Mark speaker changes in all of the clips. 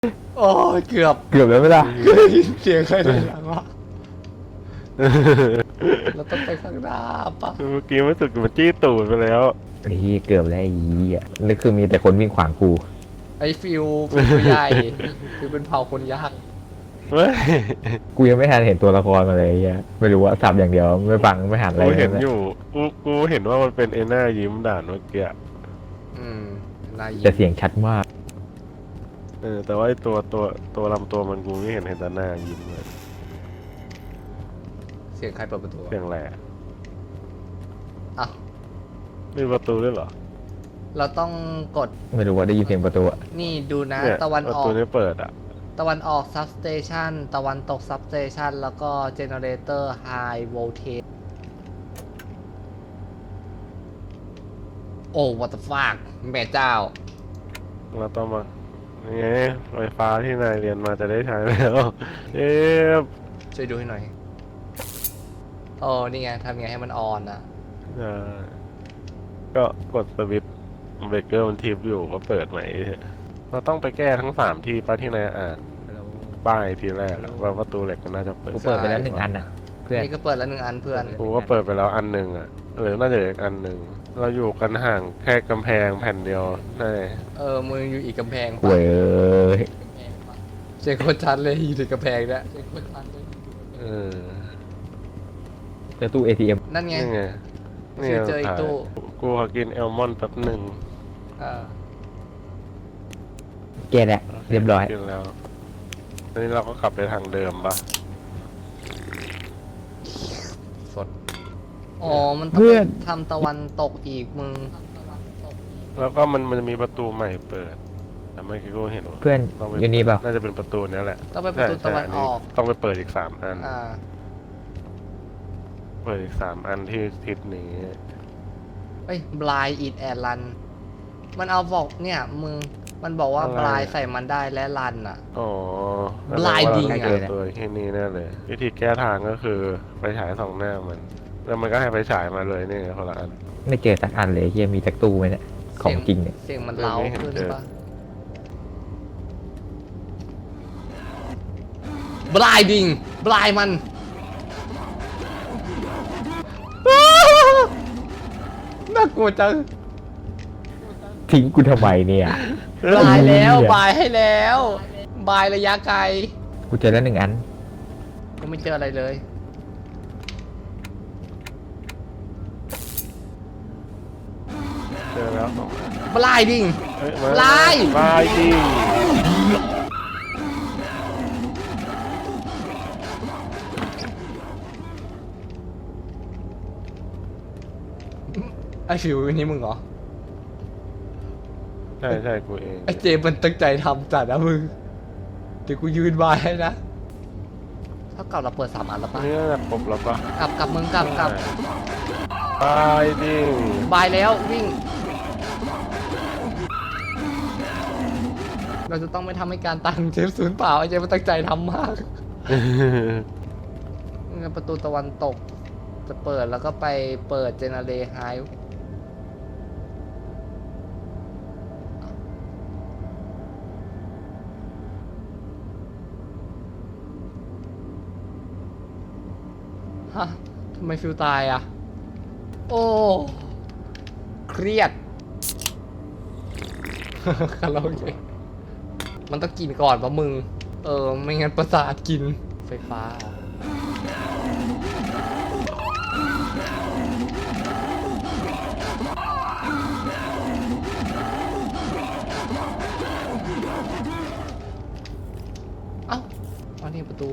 Speaker 1: โอ้ยเกือบ
Speaker 2: เกือบแล้วไหมล่ะ
Speaker 1: ก็ได้ยินเสียงใครในหลังวะเราต้องไปข้างหน้าปะ
Speaker 3: เมื่อกี้มันสึกมันจี้ตูดไปแล้ว
Speaker 2: ไอ้เหี้ยเกือบแล้วไอ้เหี้ยนี่คือมีแต่คนวิ่งขวางกู
Speaker 1: ไอ้ฟิวตัวใหญ่ฟิวเป็นเผ่าคนยาก
Speaker 3: เฮ้ย
Speaker 2: กูยังไม่ทันเห็นตัวละครมาเลยไอ้เหี้ยไม่รู้ว่าสับอย่างเดียวไม่ฟังไม่หันอะไร
Speaker 3: กูเห็น
Speaker 2: ล
Speaker 3: อยู่กูเห็นว่ามันเป็นไอ้หน้ายิ้มด่านเมื่อกี้
Speaker 1: อืมนาย
Speaker 2: แต่เสียงชัดมาก
Speaker 3: แต่ว่าไอ้ตัวลำตัวมันกูไม่เห็นแต่หน้ายิ้มเลย
Speaker 1: เสียงใครเปิดประตู
Speaker 3: เสียงแหละ
Speaker 1: อ่ะ
Speaker 3: มีประตูด้วยเหรอ
Speaker 1: เราต้องกด
Speaker 2: ไม่รู้ว่าได้ยินเสียงประตูอะ
Speaker 1: นี่ดูนะ
Speaker 3: เนี่ย
Speaker 1: ตะวัน
Speaker 3: ประ
Speaker 1: ออ
Speaker 3: ตู
Speaker 1: ก
Speaker 3: นี้เปิดอ่ะ
Speaker 1: ตะวันออกซับสเตชันตะวันตกซับสเตชันแล้วก็เจเนเรเตอร์ไฮโวลเทจโอ้ what the fuck แม่เจ้า
Speaker 3: เราต้องมานี่ไงไฟฟ้าที่นายเรียนมาจะได้ใช้แล้วเอ๊ะ
Speaker 1: ช่วยดูให้หน่อยโอ้นี่ไงทำไงให้มันออนอ่ะ
Speaker 3: ก็กดสวิตช์เบรกเกอร์มันทิปอยู่ก็เปิดใหม่เราต้องไปแก้ทั้ง3ที่ป้าที่นายอ่านป้ายทีแรกอะว่าประตูเหล็กมันน่าจะเปิด
Speaker 2: กูเปิดไปแล้ว1 อันอะเพื่อน
Speaker 1: นี่ก็เปิดแล้ว1 อันเพื่อน
Speaker 3: กูก็เปิดไปแล้วอันหนึ่งอ่ะน่าจะเหลืออีกอันหนึ่งเราอยู่กันห่างแค่กำแพงแผ่นเดียวใช่
Speaker 1: มึงอยู่อีกกำแพง
Speaker 2: เว้ย
Speaker 1: เสียงโคตรชัดเลยอยู่ที่กำแพงเนี่ยเสียงโคตรชัดเลย
Speaker 3: เออ
Speaker 2: เจอตู้ ATM
Speaker 1: นั่นไง
Speaker 3: นี่ไง
Speaker 1: เจออีกตู้
Speaker 3: กูขอกินแอลมอนด์แป๊บหนึ่ง
Speaker 1: เออ
Speaker 2: แกแหละเรียบร้อย
Speaker 3: กินแล้วทีนี้เราก็กลับไปทางเดิมปะ
Speaker 1: สดอ๋อมันต้อง
Speaker 2: เพื่อน
Speaker 1: ทำตะวันตกอีกมึง
Speaker 3: แล้วก็มันจะมีประตูใหม่เปิดแต่ไม่คิดว่าเห็นว่า
Speaker 2: เพื่อน
Speaker 3: ต้องไป
Speaker 2: อยู่นี่เปล่า
Speaker 3: น่าจะเป็นประตูนี้แหละ
Speaker 1: ต้องไปประตู
Speaker 3: ใช่
Speaker 1: ตะวัน
Speaker 3: ใช่
Speaker 1: ออก
Speaker 3: ต้องไปเปิดอีก3 อัน
Speaker 1: อ่า
Speaker 3: เปิดอีก3 อันที่ทิศนี้
Speaker 1: เอ้ยบลายอีดแอดรันมันเอาบอกเนี่ยมึงมันบอกว่า
Speaker 3: อะไร
Speaker 1: บลายใส่มันได้และรันอ่ะ
Speaker 3: อ๋อ
Speaker 1: Blinding
Speaker 3: แสดว่าเราต้องเจอตัวที่นี่แน่เลย วิธีแก้ทางก็คือไปฉาย2 หน้ามัน แล้วมันก็ให้ไปฉายมาเลยนี่ไงคนละอัน
Speaker 2: ไม่เจอสักอันเลยเฮียมีแต่ตู้ไหมเนี่ยของจริงเนี่ย
Speaker 1: เสียงมันเล้า
Speaker 3: ไม่เห็น
Speaker 1: ขึ้น
Speaker 3: เจอ
Speaker 1: ปะบลายดิงบลายมัน น่ากลัวจัง
Speaker 2: ทิ้งกูทำไมเนี่ย
Speaker 1: บายแล้ว
Speaker 2: เหี้ย
Speaker 1: บายให้แล้ว บายระยะไกล
Speaker 2: กูเจอแล้ว1 อัน
Speaker 1: ก็ไม่เจออะไรเลย
Speaker 3: เจอแล้ว2 อัน
Speaker 1: บลายดิง
Speaker 3: เฮ้ยมา
Speaker 1: ลาย
Speaker 3: ลายจริง
Speaker 1: ไอฟิวนี่มึงเหรอ
Speaker 3: ใช่กูเอง
Speaker 1: ไอเจมมันตั้งใจทำจัดนะมึง เดี๋ยวกูยืนบายให้นะเท่ากับเราเปิด3 อันแล้ว
Speaker 3: อั
Speaker 1: ปะ
Speaker 3: นนี้น่าจะครบแล้วปะ
Speaker 1: กลับมึงกลับ
Speaker 3: ลายจริง
Speaker 1: บายแล้ววิ่ง เราจะต้องไม่ทำให้การตังเจมสูญเปล่าไอเจมมันตั้งใจทำมากงั้นประตูตะวันตก จะเปิดแล้วก็ไปเปิดเจเนเรไฮฮะทำไมฟิวตายอ่ะ โอ้ เครียด คาราโอเกะมันต้องกินก่อนปะมึง ไม่งั้นประสาทกินไฟฟ้า เอ้ามาที่ประตู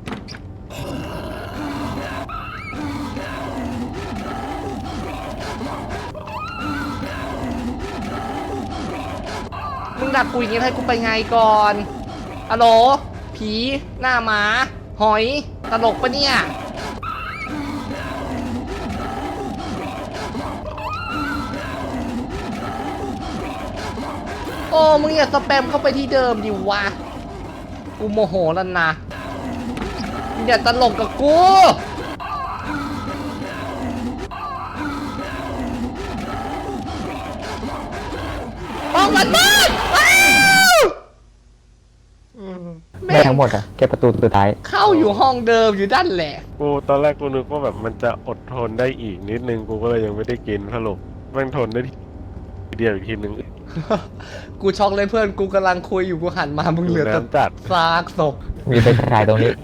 Speaker 1: มึงดักกูอย่างงี้ให้กูไปไงก่อนอะโหล ผี หน้าหมา หอย ตลกปะเนี่ย โอ้ มึงอย่าสแปมเข้าไปที่เดิมดิวะ กูโมโหแล้วนะมึงอย่าตลกกับกูห้องมันมืดว้าว
Speaker 2: ไม่ทั้งหมดอะแค่ประตูสุดท้าย
Speaker 1: เข้าอยู่ห้องเดิมอยู่ด้านแหละ
Speaker 3: กูตอนแรกกูนึกว่าแบบมันจะอดทนได้อีกนิดนึงกูก็เลยยังไม่ได้กินสรุปแม่งทนได้ทีเดียวอีกทีนึง
Speaker 1: กูช็อกเลยเพื่อนกูกำลังคุยอยู่กูหันมามึงเหลือแต่
Speaker 3: น้ำจัด
Speaker 1: ซากศพ
Speaker 2: มีไฟฉายตรงนี้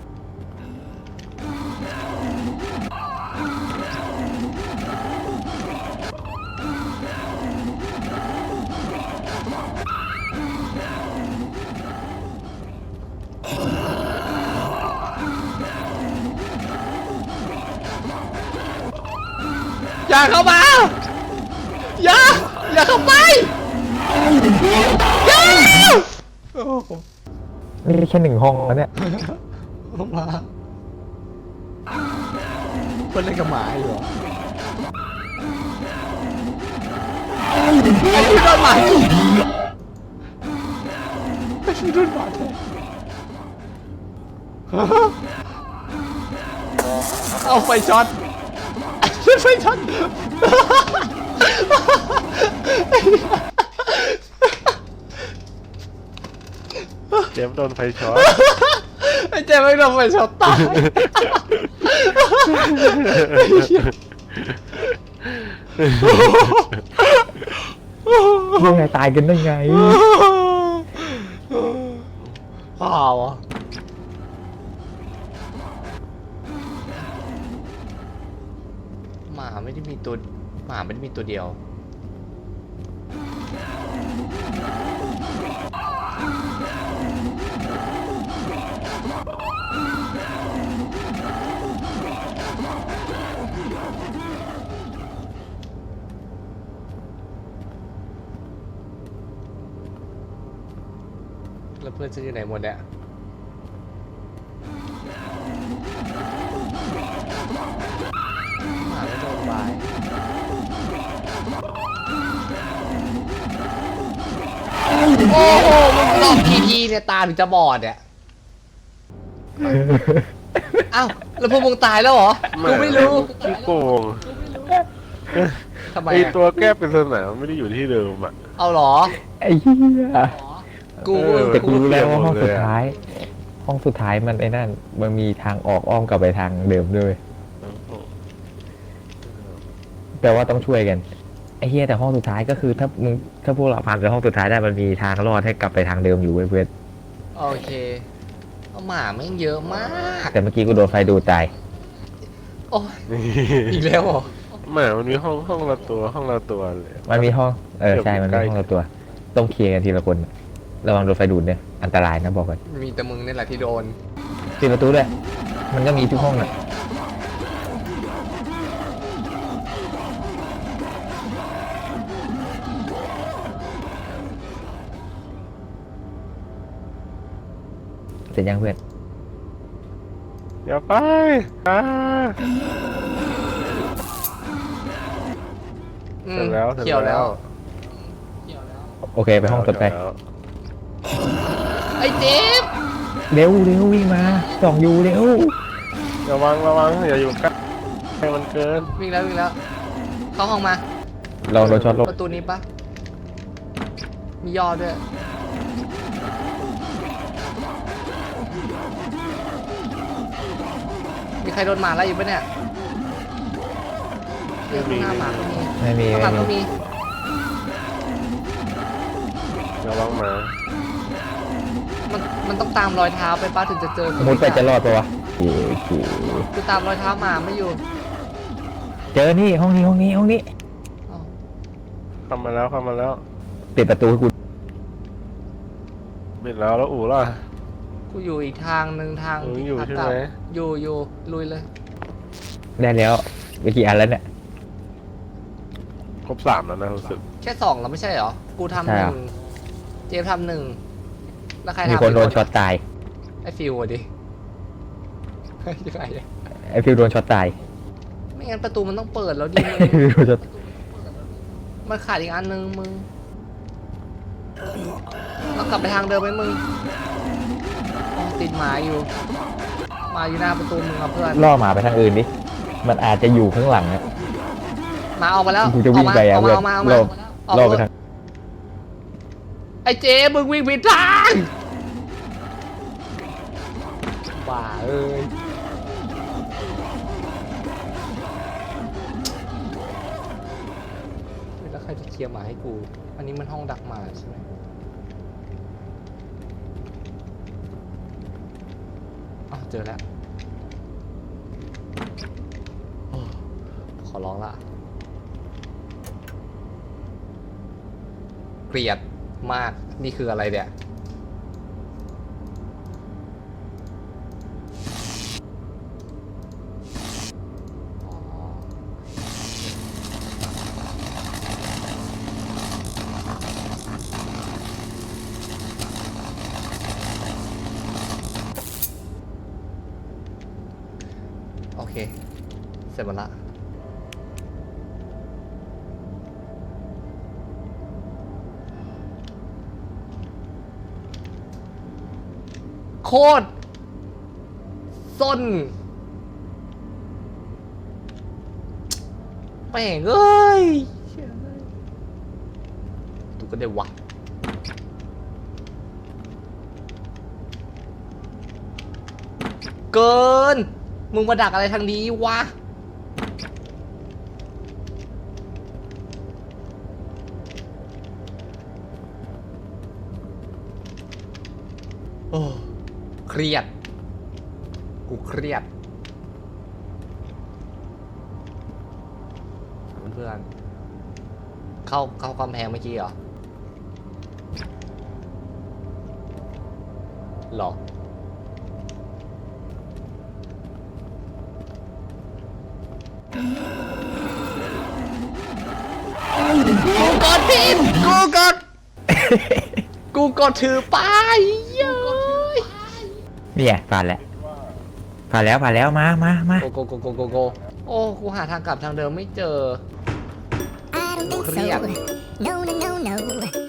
Speaker 1: อย่าเข้ามา อย่าเข้าไปอย่าโอ้โห
Speaker 2: นี่แค่1 ห้องแล้วเนี่ย
Speaker 1: เข้ามาเพื่อนเล่นกับหมาอยู่เหรอไอ้ที่โดนหมาจุกไอ้ที่โดนหมาแทงเอาไฟช็อตไฟช็อต
Speaker 3: เจมส์โดนไฟช็อต
Speaker 1: ไอ้เจ๊ไม่โดนไฟช็อตตาย
Speaker 2: ยังไงตายกันได้ไง
Speaker 1: เปล่าอ่ะหมาไม่ได้มีตัวเดียวแล้วเพื่อนจะอยู่ไหนหมดเนี่ยหมาไม่โดนบายโอ้โหมึงลองทีเนี่ยตาถึงจะบอดเนี่ยอ้าวแล้วพวกมึงตายแล้วเหรอกูไม่รู้
Speaker 3: ขี้โกง
Speaker 1: ทำไม
Speaker 3: ไอ
Speaker 1: อะ
Speaker 3: ตัวแก้ปริศนาไม่ได้อยู่ที่เดิมอ่ะ
Speaker 1: เอาเหรอ
Speaker 2: ไอ้เหี้ย
Speaker 1: กู
Speaker 2: แต่กูรู้แล้วว่าห้อง
Speaker 3: เปลี่
Speaker 2: สุ
Speaker 3: ยนหมดเลยอะ
Speaker 2: ดท้าย ห้องสุดท้ายมันไอ้นั่น มันมีทางออกอ้อมกลับไปทางเดิมด้วยแปลว่าต้องช่วยกัน ไอ้เหี้ยแต่ห้องสุดท้ายก็คือถ้าพวกเราผ่านไปห้องสุดท้ายได้มันมีทางรอดให้กลับไปทางเดิมอยู่เว้ยเพื่อน
Speaker 1: โอเคเอาหมาแม่งเยอะมาก
Speaker 2: แต่เมื่อกี้กูโดนไฟดูดตาย
Speaker 1: โอ้ยอีกแล้วเหรอ
Speaker 3: หมามันมีห้องละตัวเลย
Speaker 2: มันมีห้องใช่
Speaker 3: เดี๋ยว
Speaker 2: มันมี
Speaker 3: ใกล้
Speaker 2: ห้องละตัว ต้องเคลียร์กันทีละคน ระวังโดนไฟดูดเนี่ยอันตรายนะบอกก่อน
Speaker 1: มีแต่มึงนี่แหละที่โดน
Speaker 2: ปิดประตูด้วยมันก็มีทุกห้องน่ะเสร็จยังเพื่อน
Speaker 3: อย่าไปอ่า
Speaker 1: อืม
Speaker 3: เสร็จแล้ว
Speaker 1: เขียวแล้ว
Speaker 2: โอเคไปห้องต่อไป
Speaker 3: แล้ว
Speaker 1: ไอ้เจ๊บ
Speaker 2: เร็ววิ่งมาส่องอยู่เร็ว
Speaker 3: ระวังอย่าอยู่ใกล้ให้มันเกิน
Speaker 1: วิ่งแล้วเข้าห้องมา
Speaker 2: ลองโดนช็อตลบ
Speaker 1: ประตูนี้ปะมีย่อด้วยมีใครโดนหมาไล่อยู่ปะเนี่ยข้างหน้าหมาก็มี
Speaker 2: ไม่มี
Speaker 1: ข้างหลังก็มี
Speaker 3: ระวังหมา
Speaker 1: มันต้องตามรอยเท้าไปป้าถึงจะเจอ
Speaker 2: มุดไปจะรอดปะวะโอเค
Speaker 1: คือตามรอยเท้าหมาไม่อยู่
Speaker 2: เจอนี่ห้องนี้
Speaker 1: อ้าว
Speaker 3: เข้ามาแล้ว
Speaker 2: ปิดประตูให้กู
Speaker 3: ปิดแล้วอู๋ล่ะ
Speaker 1: กูอยู่อีกทางหนึ่งทาง
Speaker 3: เออ
Speaker 1: ที่
Speaker 3: อยู่
Speaker 1: พัก
Speaker 3: ใช่
Speaker 1: กลับ
Speaker 3: ไหม
Speaker 1: อยู่ลุยเลย
Speaker 2: ได้แล้วไปกี่อันแล้วเนี่ย
Speaker 3: ครบ3แล้วนะรู้สึก
Speaker 1: แค่2แล้วไม่ใช่เหรอ กูทำ
Speaker 2: ใช่
Speaker 1: ห
Speaker 2: เหร
Speaker 1: นึ่
Speaker 2: อง
Speaker 1: เจมส์ทำหนึ่งแล้วใคร
Speaker 2: มี
Speaker 1: ทำ
Speaker 2: คนโดน
Speaker 1: อีก
Speaker 2: ช็อตตาย
Speaker 1: ไอ้ฟิวอะดิยังไงอะ
Speaker 2: ไอฟิวโดนช็อตตาย
Speaker 1: ไม่งั้นประตูมันต้องเปิดแล้วดิ
Speaker 2: ไอฟิวโดนช็อต
Speaker 1: มันขาดอีกอันนึงมึงเรากลับไปทางเดิมไหมมึงอ๋อติดหมาอยู่หมาอยู่หน้าประตูมึงครับเพื่อน
Speaker 2: ล่อหมาไปทางอื่นดิมันอาจจะอยู่ข้างหลังนะ
Speaker 1: หมาออกมาแล้ว
Speaker 2: กูจะวิ่งไป
Speaker 1: อ
Speaker 2: อ่ะ
Speaker 1: อก
Speaker 2: เพื่อน
Speaker 1: มา
Speaker 2: ล่อ
Speaker 1: ออก
Speaker 2: ล่อไป
Speaker 1: มา
Speaker 2: ทาง
Speaker 1: ไอ้เจ๊มึงวิ่งผิดทางลียร์หมาให้กู อันนี้มันห้องดักหมาใช่ไหมอ้าวเจอแล้วโอ้ขอร้องละเกลียดมากนี่คืออะไรเนี่ยโอเค เสร็จหมดละโคตรส้นแม่งเอ้ยดูก็ได้วะเกิน มึงมาดักอะไรทางนี้วะโอ้เครียด กูเครียด เพื่อนๆเข้ากำแพงเมื่อกี้เหรอ หรอ กูกดผิดกูกดถือป้ายเย้ย
Speaker 2: เนี่ยผ่านแล้วมา
Speaker 1: โกโอ้ กูหาทางกลับทางเดิมไม่เจอ
Speaker 4: I don't think
Speaker 1: เครียด
Speaker 4: so. No.